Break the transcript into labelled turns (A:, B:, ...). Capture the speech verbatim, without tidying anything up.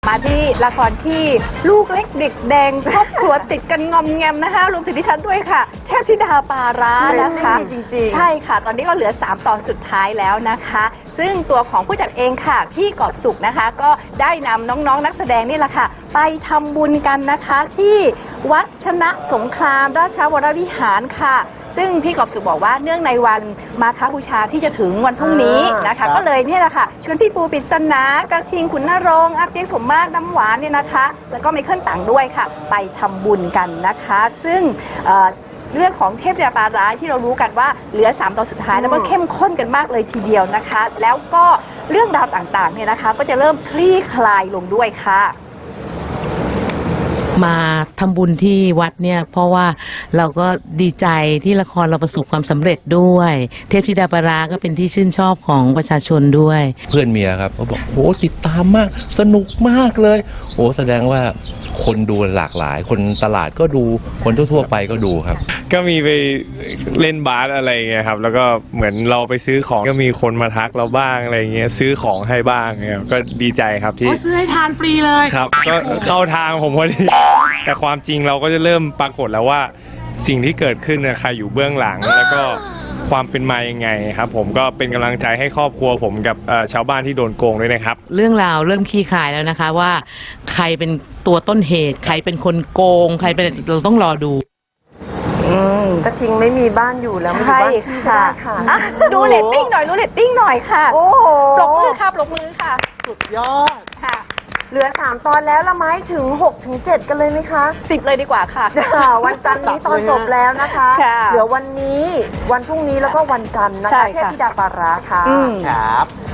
A: มาที่ละครที่ลูกเล็กเด็กแดงครอบครัวติดกันงอมแงมนะคะรวมถึงดิฉันด้วยค่ะเทพธิดาปาร้านะคะ
B: จริงๆ
A: ใช่ค่ะตอนนี้ก็เหลือสามตอนสุดท้ายแล้วนะคะซึ่งตัวของผู้จัดเองค่ะพี่กอบสุขนะคะก็ได้นำน้องๆ น, นักแสดงนี่แหละค่ะไปทำบุญกันนะคะที่วัดชนะสงครามราชวรวิหารค่ะซึ่งพี่กอบสุขบอกว่าเนื่องในวันมาฆบูชาที่จะถึงวันพรุ่งนี้นะคะก็เลยเนี่ยแหละค่ะชวนพี่ปูปริศนากระทิงขุนนรงค์อาเปียกสมมาตรน้ำหวานเนี่ยนะคะแล้วก็ไมเคิลต่างด้วยค่ะไปทำบุญกันนะคะซึ่งเรื่องของเทพธิดาปาร้าที่เรารู้กันว่าเหลือสามตอนสุดท้ายแล้วมันเข้มข้นกันมากเลยทีเดียวนะคะแล้วก็เรื่องราวต่างๆเนี่ยนะคะก็จะเริ่มคลี่คลายลงด้วยค่ะ
C: มาทำบุญที่วัดเนี่ยเพราะว่าเราก็ดีใจที่ละครเราประสบความสำเร็จด้วยเทพธิดาปาร้าก็เป็นที่ชื่นชอบของประชาชนด้วย
D: เพื่อนเมียครับเขาบอกโหติดตามมากสนุกมากเลยโอ้แสดงว่าคนดูหลากหลายคนตลาดก็ดูคนทั่วๆไปก็ดูครับ
E: ก็มีไปเล่นบาสอะไรเงี้ยครับแล้วก็เหมือนเราไปซื้อของก็มีคนมาทักเราบ้างอะไรเงี้ยซื้อของให้บ้างเงี้ยก็ดีใจครับที่
C: ซื้อให้ทานฟรีเลย
E: ครับก็เข้าทางผมพอดีแต่ความจริงเราก็จะเริ่มปรากฏแล้วว่าสิ่งที่เกิดขึ้นเนี่ยใครอยู่เบื้องหลังแล้วก็ความเป็นมายังไงครับผมก็เป็นกำลังใจให้ครอบครัวผมกับชาวบ้านที่โดนโกงด้วยนะครับ
C: เรื่องราวเริ่มคลี่คลายแล้วนะคะว่าใครเป็นตัวต้นเหตุใครเป็นคนโกงใครเป็นเราต้องรอดู
B: กระทิงไม่มีบ้านอยู่แล้ว
A: ใช่ค่ะดูเรตติ้งหน่อยดูเรตติ้งหน่อยค่ะ
B: โอ้โห
A: ปรบมือค่ะปรบมือค่ะ
B: สุดยอด
A: ค่ะ
B: เหลือสามตอนแล้วละไหมถึงหกถึงเจ็ดกันเลยไหมคะ
A: สิบเลยดีกว่าค่ะ
B: วันจันทร์นี้ตอนจบแล้วนะคะเหลือวันนี้วันพรุ่งนี้แล้วก็วันจันทร์นะคะเทพธิดาปาร้าค่ะ
F: ครับ